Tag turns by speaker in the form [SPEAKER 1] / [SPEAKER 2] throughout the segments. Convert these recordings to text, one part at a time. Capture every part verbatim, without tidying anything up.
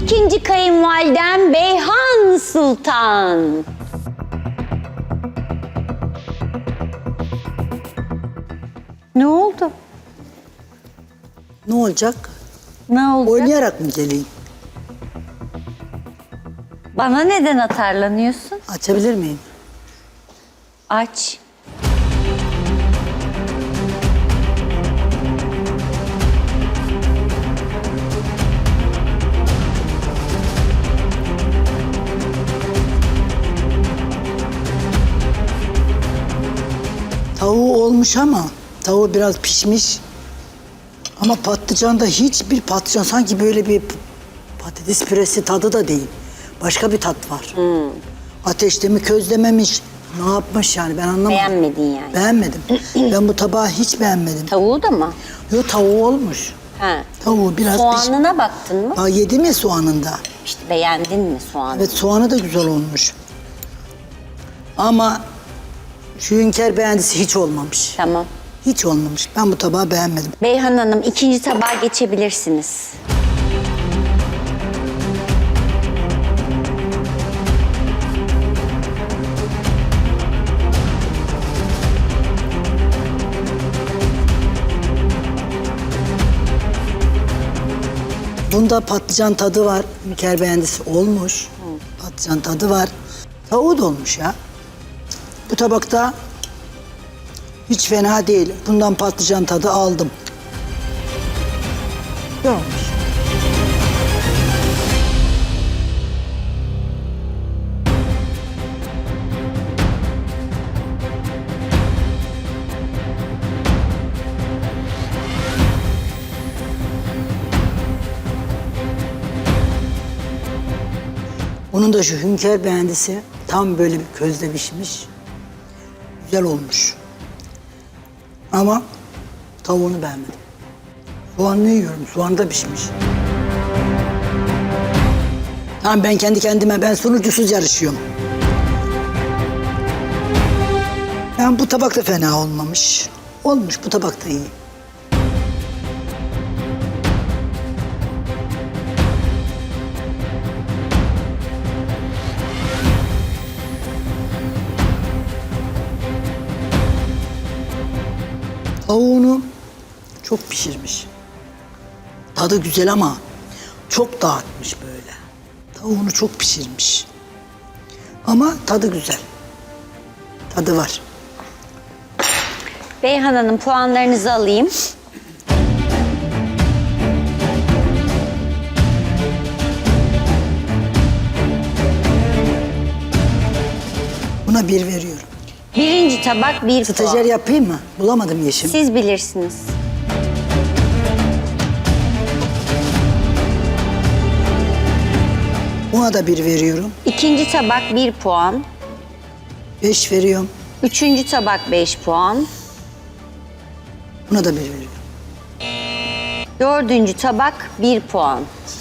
[SPEAKER 1] İkinci kayınvalidem Beyhan Sultan. Ne oldu?
[SPEAKER 2] Ne olacak?
[SPEAKER 1] Ne oldu?
[SPEAKER 2] Oynayarak mı geleyim?
[SPEAKER 1] Bana neden atarlanıyorsun?
[SPEAKER 2] Açabilir miyim?
[SPEAKER 1] Aç.
[SPEAKER 2] Tavuğu olmuş ama tavuğu biraz pişmiş. Ama patlıcanda hiçbir patlıcan sanki böyle bir patates püresi tadı da değil. Başka bir tat var.
[SPEAKER 1] Hmm.
[SPEAKER 2] Ateşte mi közlememiş, ne yapmış yani ben anlamadım.
[SPEAKER 1] Beğenmedin yani.
[SPEAKER 2] Beğenmedim. Ben bu tabağı hiç beğenmedim.
[SPEAKER 1] Tavuğu da mı?
[SPEAKER 2] Yo tavuğu olmuş.
[SPEAKER 1] Ha.
[SPEAKER 2] Tavuğu biraz piş...
[SPEAKER 1] Soğanına baktın mı?
[SPEAKER 2] Aa, yedim ya soğanında.
[SPEAKER 1] İşte beğendin mi soğanı?
[SPEAKER 2] Evet soğanı da güzel olmuş. Ama şu hünkâr beğendisi hiç olmamış.
[SPEAKER 1] Tamam.
[SPEAKER 2] Hiç olmamış. Ben bu tabağı beğenmedim.
[SPEAKER 1] Beyhan Hanım ikinci tabağa geçebilirsiniz.
[SPEAKER 2] Bunda patlıcan tadı var. Hünkâr beğendisi olmuş. Patlıcan tadı var. Tavuğu da olmuş ya. Bu tabakta hiç fena değil. Bundan patlıcan tadı aldım. Ne olmuş? Bunun da şu hünkâr beğendisi tam böyle bir közde pişmiş. Güzel olmuş. Ama tavuğunu beğenmedim. Soğanını yiyorum. Soğan da pişmiş. Tamam ben kendi kendime ben sunucusuz yarışıyorum. Ben bu tabak da fena olmamış. Olmuş bu tabak da iyi. Tavuğunu çok pişirmiş. Tadı güzel ama çok dağıtmış böyle. Tavuğunu çok pişirmiş. Ama tadı güzel. Tadı var.
[SPEAKER 1] Beyhan Hanım puanlarınızı alayım.
[SPEAKER 2] Buna bir veriyorum.
[SPEAKER 1] Birinci tabak bir
[SPEAKER 2] Stajyer
[SPEAKER 1] puan.
[SPEAKER 2] yapayım mı? Bulamadım Yeşim.
[SPEAKER 1] Siz bilirsiniz.
[SPEAKER 2] Buna da bir veriyorum.
[SPEAKER 1] İkinci tabak bir puan.
[SPEAKER 2] Beş veriyorum.
[SPEAKER 1] Üçüncü tabak beş puan.
[SPEAKER 2] Buna da bir veriyorum.
[SPEAKER 1] Dördüncü tabak bir puan.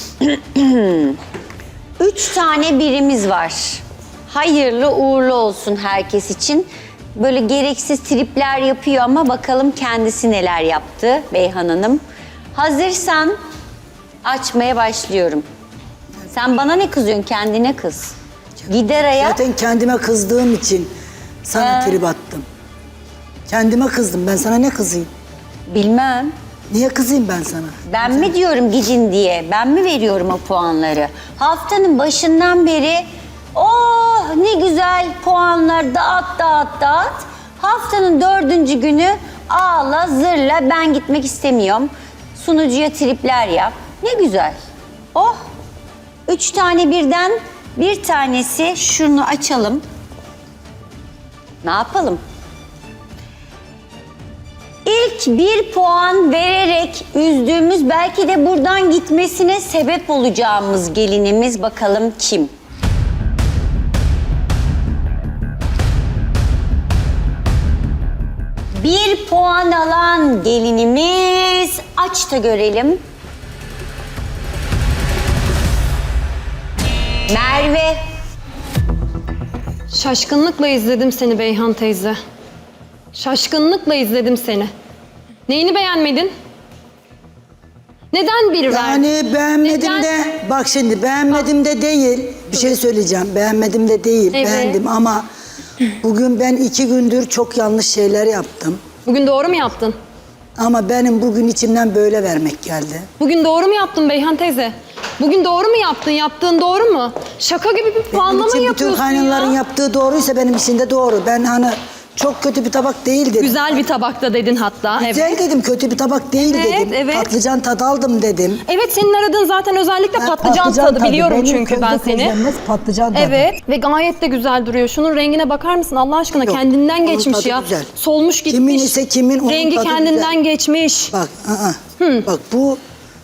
[SPEAKER 1] Üç tane birimiz var. Hayırlı uğurlu olsun herkes için. Böyle gereksiz tripler yapıyor ama bakalım kendisi neler yaptı Beyhan Hanım. Hazırsan açmaya başlıyorum. Sen bana ne kızıyorsun? Kendine kız. Gideraya
[SPEAKER 2] Zaten kendime kızdığım için sana
[SPEAKER 1] He.
[SPEAKER 2] trip attım. Kendime kızdım. Ben sana ne kızayım?
[SPEAKER 1] bilmem.
[SPEAKER 2] Niye kızayım ben sana?
[SPEAKER 1] Ben mi diyorum gidin diye? Ben mi veriyorum o puanları? Haftanın başından beri oh ne güzel puanlar dağıt dağıt dağıt. Haftanın dördüncü günü ağla zırla ben gitmek istemiyorum. Sunucuya tripler yap. Ne güzel. Oh. Üç tane birden bir tanesi şunu açalım. Ne yapalım? İlk bir puan vererek üzdüğümüz belki de buradan gitmesine sebep olacağımız gelinimiz bakalım kim? Bir puan alan gelinimiz aç da görelim. Merve.
[SPEAKER 3] Şaşkınlıkla izledim seni Beyhan teyze. Şaşkınlıkla izledim seni. Neyini beğenmedin? Neden bir verdin?
[SPEAKER 2] Yani beğenmedim
[SPEAKER 3] Neden?
[SPEAKER 2] de, bak şimdi beğenmedim de değil. Bir şey söyleyeceğim. Beğenmedim de değil.
[SPEAKER 3] Evet.
[SPEAKER 2] Beğendim ama bugün ben iki gündür çok yanlış şeyler yaptım.
[SPEAKER 3] Bugün doğru mu yaptın?
[SPEAKER 2] Ama benim bugün içimden böyle vermek geldi.
[SPEAKER 3] Bugün doğru mu yaptın Beyhan teyze? Bugün doğru mu yaptın? Yaptığın doğru mu? Şaka gibi bir
[SPEAKER 2] Benim
[SPEAKER 3] puanlama
[SPEAKER 2] için bütün
[SPEAKER 3] yapıyorsun
[SPEAKER 2] kaynanaların
[SPEAKER 3] ya.
[SPEAKER 2] yaptığı doğruysa benim için de doğru. Ben hani çok kötü bir tabak değil dedim.
[SPEAKER 3] Güzel bir tabakta dedin hatta.
[SPEAKER 2] Güzel
[SPEAKER 3] Evet.
[SPEAKER 2] dedim, kötü bir tabak değil
[SPEAKER 3] Evet,
[SPEAKER 2] dedim.
[SPEAKER 3] evet.
[SPEAKER 2] Patlıcan tadı aldım dedim.
[SPEAKER 3] Evet, senin aradığın zaten özellikle
[SPEAKER 2] Ben
[SPEAKER 3] patlıcan, tadı biliyorum
[SPEAKER 2] Benim
[SPEAKER 3] çünkü ben
[SPEAKER 2] közde
[SPEAKER 3] seni.
[SPEAKER 2] közlenmez patlıcan tadı.
[SPEAKER 3] Evet ve gayet de güzel duruyor. Şunun rengine bakar mısın Allah aşkına?
[SPEAKER 2] Yok,
[SPEAKER 3] kendinden
[SPEAKER 2] onun
[SPEAKER 3] geçmiş
[SPEAKER 2] tadı
[SPEAKER 3] ya.
[SPEAKER 2] güzel.
[SPEAKER 3] Solmuş gitmiş.
[SPEAKER 2] Kimin ise kimin, onun
[SPEAKER 3] Rengi
[SPEAKER 2] tadı
[SPEAKER 3] kendinden
[SPEAKER 2] güzel.
[SPEAKER 3] geçmiş.
[SPEAKER 2] Bak, ı-ı. Bak bu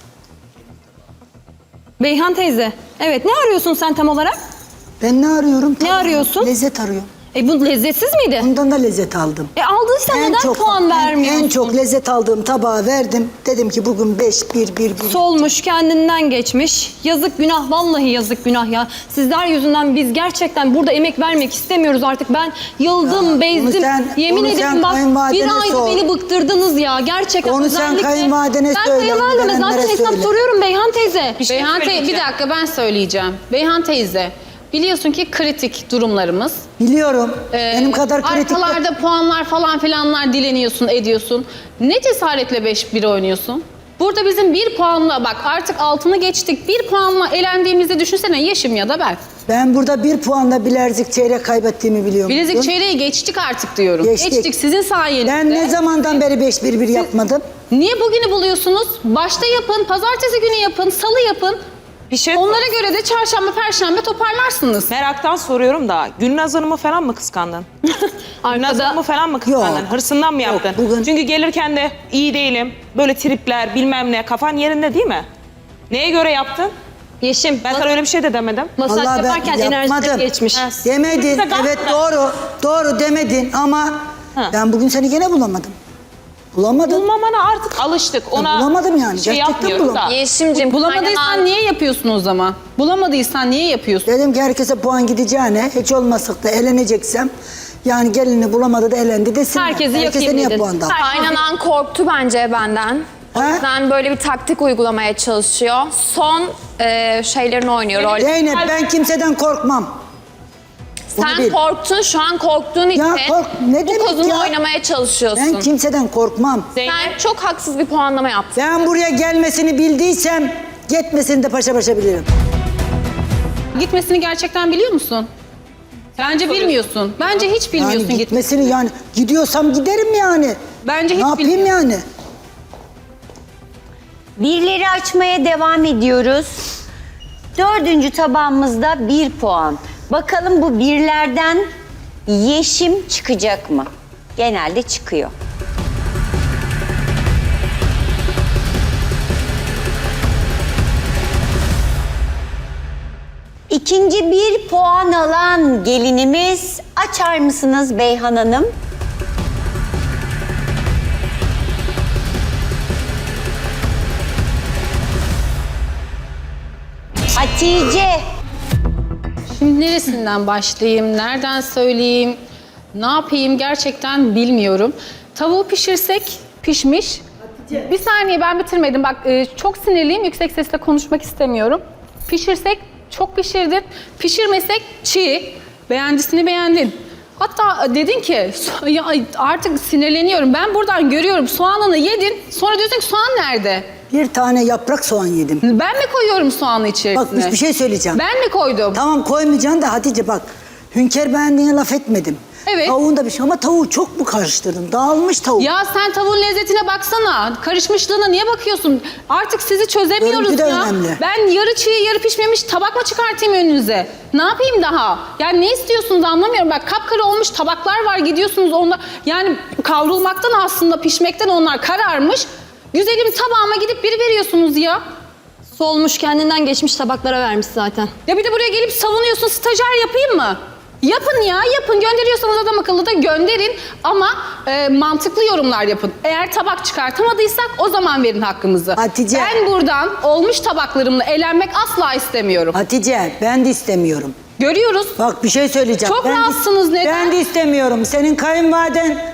[SPEAKER 3] Beyhan teyze. Evet, ne arıyorsun sen tam olarak?
[SPEAKER 2] ben ne arıyorum? Tabii,
[SPEAKER 3] arıyorsun?
[SPEAKER 2] Lezzet arıyorum.
[SPEAKER 3] E bu lezzetsiz miydi?
[SPEAKER 2] Bundan da lezzet aldım.
[SPEAKER 3] E aldıysan neden puan
[SPEAKER 2] en-
[SPEAKER 3] vermiyorsun?
[SPEAKER 2] En çok lezzet aldığım tabağı verdim. Dedim ki bugün beş, bir, bir, bir.
[SPEAKER 3] Solmuş, kendinden geçmiş. Yazık günah, vallahi yazık günah ya. Sizler yüzünden biz gerçekten burada emek vermek istemiyoruz artık. Ben yıldım,
[SPEAKER 2] Ya,
[SPEAKER 3] bezdim.
[SPEAKER 2] onu sen-
[SPEAKER 3] Yemin
[SPEAKER 2] onu sen
[SPEAKER 3] ederim bak bir
[SPEAKER 2] kayınvalidene
[SPEAKER 3] ayda
[SPEAKER 2] sor.
[SPEAKER 3] beni bıktırdınız ya. Gerçekten
[SPEAKER 2] Onu sen
[SPEAKER 3] özellikle.
[SPEAKER 2] kayınvalidene
[SPEAKER 3] ben
[SPEAKER 2] söyle,
[SPEAKER 3] kayınvalideme
[SPEAKER 2] onu
[SPEAKER 3] zaten
[SPEAKER 2] gelenlere
[SPEAKER 3] hesap
[SPEAKER 2] söyle.
[SPEAKER 3] soruyorum Beyhan teyze. Bir şey
[SPEAKER 4] Beyhan teyze, bir
[SPEAKER 3] söyleyeceğim.
[SPEAKER 4] dakika ben söyleyeceğim. Beyhan teyze, biliyorsun ki kritik durumlarımız.
[SPEAKER 2] Biliyorum.
[SPEAKER 4] Ee,
[SPEAKER 2] Benim kadar kritik. de-
[SPEAKER 4] Arkalarda puanlar falan filanlar dileniyorsun, ediyorsun. Ne cesaretle beş bir oynuyorsun? Burada bizim bir puanla, bak artık altını geçtik, bir puanla elendiğimizi düşünsene Yeşim ya da ben.
[SPEAKER 2] Ben burada bir puanla bilezik çeyrek kaybettiğimi biliyorum.
[SPEAKER 4] Bilezik çeyreği geçtik artık diyorum.
[SPEAKER 2] Geçtik.
[SPEAKER 4] Geçtik sizin sayenizde.
[SPEAKER 2] Ben ne zamandan beri beş bir bir yapmadım?
[SPEAKER 4] Niye bugünü buluyorsunuz? Başta yapın, pazartesi günü yapın, salı yapın.
[SPEAKER 5] Bir şey
[SPEAKER 4] Onlara göre de çarşamba, perşembe toparlarsınız.
[SPEAKER 5] meraktan soruyorum da Gülnaz Hanım'ı falan mı kıskandın? Gülnaz
[SPEAKER 3] Arkada
[SPEAKER 5] Hanım'ı falan mı kıskandın?
[SPEAKER 2] Yok.
[SPEAKER 5] Hırsından mı
[SPEAKER 2] Yok,
[SPEAKER 5] yaptın?
[SPEAKER 2] bugün-
[SPEAKER 5] Çünkü gelirken de iyi değilim, böyle tripler bilmem ne, kafan yerinde değil mi? Neye göre yaptın?
[SPEAKER 3] Yeşim,
[SPEAKER 5] Ben sana öyle bir şey de demedim.
[SPEAKER 3] masaj
[SPEAKER 2] Vallahi ben
[SPEAKER 3] yaparken enerjisi
[SPEAKER 2] yapmadım.
[SPEAKER 3] geçmiş.
[SPEAKER 5] Ha.
[SPEAKER 2] Demedin.
[SPEAKER 5] Bize
[SPEAKER 2] Evet
[SPEAKER 5] kalkma.
[SPEAKER 2] doğru. Doğru demedin ama
[SPEAKER 5] Ha.
[SPEAKER 2] ben bugün seni gene bulamadım. Bulamadım.
[SPEAKER 5] Bulmamana artık alıştık. Ona
[SPEAKER 2] bulamadım yani,
[SPEAKER 5] şey
[SPEAKER 2] gerçekten
[SPEAKER 5] yapmıyorum da.
[SPEAKER 2] bulamadım.
[SPEAKER 6] Yeşim'cim
[SPEAKER 4] Bulamadıysan niye yapıyorsun o zaman? Bulamadıysan niye yapıyorsun?
[SPEAKER 2] Dedim ki herkese puan gideceğine hiç olmazsak da eleneceksem yani gelini bulamadı da elendi desinler.
[SPEAKER 3] Herkesi
[SPEAKER 2] Herkese
[SPEAKER 3] yakayım
[SPEAKER 2] niye
[SPEAKER 3] dedin.
[SPEAKER 2] puan dağıttın?
[SPEAKER 6] kaynanan korktu bence benden. O
[SPEAKER 2] Ha?
[SPEAKER 6] yüzden böyle bir taktik uygulamaya çalışıyor. Son e, şeylerini oynuyor rol.
[SPEAKER 2] Zeynep ben kimseden korkmam. Bunu
[SPEAKER 6] Sen
[SPEAKER 2] bil.
[SPEAKER 6] korktun, şu an korktuğun için
[SPEAKER 2] kork- ne
[SPEAKER 6] bu
[SPEAKER 2] demek
[SPEAKER 6] kozunu
[SPEAKER 2] ya?
[SPEAKER 6] oynamaya çalışıyorsun.
[SPEAKER 2] Ben kimseden korkmam.
[SPEAKER 5] Zeynep,
[SPEAKER 6] Sen çok haksız bir puanlama yaptın.
[SPEAKER 2] Ben buraya gelmesini bildiysem gitmesini de paşa paşa bilirim.
[SPEAKER 4] Gitmesini gerçekten biliyor musun? Bence bilmiyorsun. Bence hiç bilmiyorsun
[SPEAKER 2] Yani
[SPEAKER 4] git.
[SPEAKER 2] gitmesini yani gidiyorsam giderim yani.
[SPEAKER 4] Bence
[SPEAKER 2] Ne
[SPEAKER 4] hiç
[SPEAKER 2] yapayım
[SPEAKER 4] bilmiyorsun.
[SPEAKER 2] yani?
[SPEAKER 1] Birleri açmaya devam ediyoruz. Dördüncü tabağımızda bir puan. Bakalım bu birlerden Yeşim çıkacak mı? Genelde çıkıyor. İkinci bir puan alan gelinimiz, açar mısınız Beyhan Hanım? Hatice.
[SPEAKER 4] Şimdi neresinden başlayayım, nereden söyleyeyim, ne yapayım gerçekten bilmiyorum. Tavuğu pişirsek pişmiş. Bir saniye ben bitirmedim. Bak e, çok sinirliyim, yüksek sesle konuşmak istemiyorum. Pişirsek çok pişirdin, pişirmesek çiğ. Beğendisini beğendin. Hatta dedin ki "So- ya artık sinirleniyorum. Ben buradan görüyorum soğanını yedin. Sonra diyorsun ki soğan nerede?
[SPEAKER 2] Bir tane yaprak soğan yedim.
[SPEAKER 4] Ben mi koyuyorum soğanı içerisine?
[SPEAKER 2] Bak bir- bir şey söyleyeceğim.
[SPEAKER 4] Ben mi koydum?
[SPEAKER 2] Tamam koymayacaksın da Hatice bak. Hünkar beğendiğine laf etmedim.
[SPEAKER 4] Evet.
[SPEAKER 2] Tavuğunda bir şey ama tavuğu çok mu karıştırdın? Dağılmış tavuk.
[SPEAKER 4] Ya sen tavuğun lezzetine baksana. Karışmışlığına niye bakıyorsun? Artık sizi çözemiyoruz
[SPEAKER 2] Görüntü de
[SPEAKER 4] ya.
[SPEAKER 2] önemli.
[SPEAKER 4] Ben yarı çiğ yarı pişmemiş tabak mı çıkartayım önünüze? Ne yapayım daha? Yani ne istiyorsunuz anlamıyorum. Bak kapkara olmuş tabaklar var gidiyorsunuz onlar. Yani kavrulmaktan aslında pişmekten onlar kararmış. Güzelim tabağıma gidip biri veriyorsunuz ya.
[SPEAKER 3] solmuş, kendinden geçmiş tabaklara vermiş zaten.
[SPEAKER 4] Ya bir de buraya gelip savunuyorsun stajyer yapayım mı? Yapın ya yapın gönderiyorsanız adam akıllı da gönderin ama e, mantıklı yorumlar yapın. Eğer tabak çıkartamadıysak o zaman verin hakkımızı.
[SPEAKER 2] Hatice.
[SPEAKER 4] Ben buradan olmuş tabaklarımla eğlenmek asla istemiyorum.
[SPEAKER 2] Hatice ben de istemiyorum.
[SPEAKER 4] Görüyoruz.
[SPEAKER 2] Bak bir şey söyleyeceğim.
[SPEAKER 4] Çok
[SPEAKER 2] ben de-
[SPEAKER 4] rahatsınız, neden?
[SPEAKER 2] Ben de istemiyorum. Senin kayınvaliden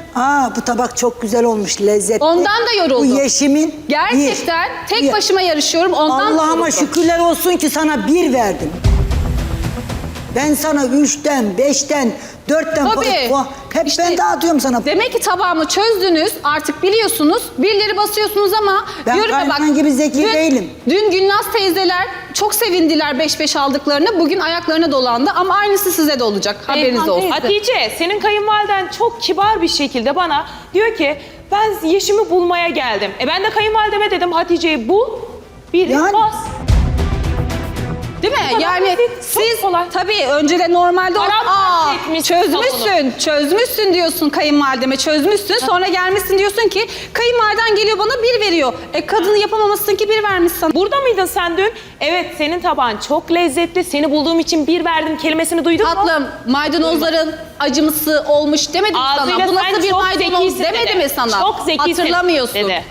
[SPEAKER 2] Aa bu tabak çok güzel olmuş, lezzetli.
[SPEAKER 4] Ondan da yoruldum.
[SPEAKER 2] Bu Yeşim'in
[SPEAKER 4] Gerçekten
[SPEAKER 2] bir-
[SPEAKER 4] tek
[SPEAKER 2] bir-
[SPEAKER 4] başıma yarışıyorum. Ondan
[SPEAKER 2] Allah'ıma
[SPEAKER 4] yoruldum.
[SPEAKER 2] şükürler olsun ki sana bir verdim. Ben sana üçten, beşten, dörtten
[SPEAKER 4] Tabii.
[SPEAKER 2] puan. Hep
[SPEAKER 4] İşte
[SPEAKER 2] ben dağıtıyorum sana.
[SPEAKER 4] Demek ki tabağımı çözdünüz, artık biliyorsunuz. Birileri basıyorsunuz ama
[SPEAKER 2] Ben
[SPEAKER 4] diyorum ya bak.
[SPEAKER 2] Kayhan gibi zeki
[SPEAKER 4] dün,
[SPEAKER 2] değilim.
[SPEAKER 4] Dün Gülnaz teyzeler çok sevindiler beş beş aldıklarını. Bugün ayaklarına dolandı ama aynısı size de olacak. Haberiniz
[SPEAKER 3] Kayhan
[SPEAKER 4] olsun.
[SPEAKER 3] teyze.
[SPEAKER 5] Hatice, senin kayınvaliden çok kibar bir şekilde bana diyor ki ben Yeşim'i bulmaya geldim. E ben de kayınvalideme dedim Hatice'yi bul, bir
[SPEAKER 2] Yani-
[SPEAKER 5] bas.
[SPEAKER 4] Değil mi?
[SPEAKER 5] kadar
[SPEAKER 4] Yani
[SPEAKER 5] basit, çok
[SPEAKER 4] siz
[SPEAKER 5] kolay.
[SPEAKER 4] tabii önceden normalde o-
[SPEAKER 5] Arap
[SPEAKER 4] aa
[SPEAKER 5] bahsetmişsin
[SPEAKER 4] çözmüşsün, çözmüşsün diyorsun kayınvalideme, çözmüşsün. Sonra gelmişsin diyorsun ki kayınvaliden geliyor bana bir veriyor. E kadını yapamamışsın ki bir vermiş sana.
[SPEAKER 5] Burada mıydın sen dün? Evet, senin tabağın çok lezzetli. Seni bulduğum için bir verdim kelimesini duydun mu?
[SPEAKER 4] Tatlım, maydanozların acımsı olmuş demedim mi
[SPEAKER 5] Ağzıyla
[SPEAKER 4] sana. Bu
[SPEAKER 5] sen
[SPEAKER 4] nasıl bir
[SPEAKER 5] çok
[SPEAKER 4] maydanoz
[SPEAKER 5] zekisin
[SPEAKER 4] demedi
[SPEAKER 5] dedi.
[SPEAKER 4] mi sana?
[SPEAKER 5] Çok zekisin
[SPEAKER 4] Hatırlamıyorsun.
[SPEAKER 5] dedi.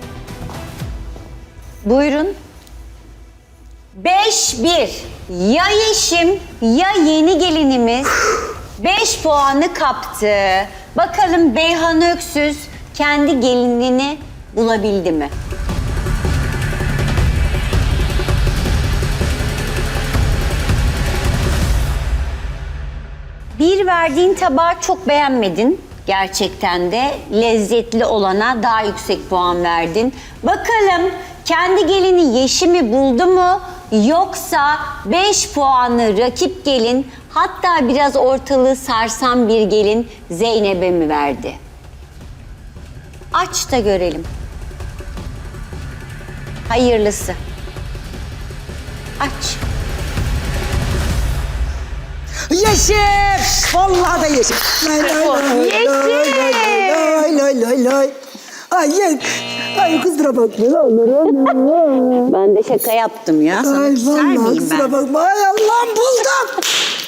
[SPEAKER 1] Buyurun. Beş bir. Ya Yeşim ya yeni gelinimiz beş puanı kaptı. Bakalım Beyhan Öksüz kendi gelinini bulabildi mi? Bir verdiğin tabağı çok beğenmedin. Gerçekten de lezzetli olana daha yüksek puan verdin. Bakalım kendi gelini Yeşim'i buldu mu? Yoksa beş puanı rakip gelin, hatta biraz ortalığı sarsan bir gelin Zeynep'e mi verdi? Aç da görelim. Hayırlısı. Aç.
[SPEAKER 2] Yeşim! Vallahi da yeşim. Lay lay lay lay lay lay lay lay. Ay ye. Ay kusura bakma.
[SPEAKER 1] Ben de şaka yaptım ya. Sana
[SPEAKER 2] Ay
[SPEAKER 1] küser
[SPEAKER 2] vallahi
[SPEAKER 1] miyim
[SPEAKER 2] kusura
[SPEAKER 1] ben?
[SPEAKER 2] bakma. Ay Allah'ım buldum.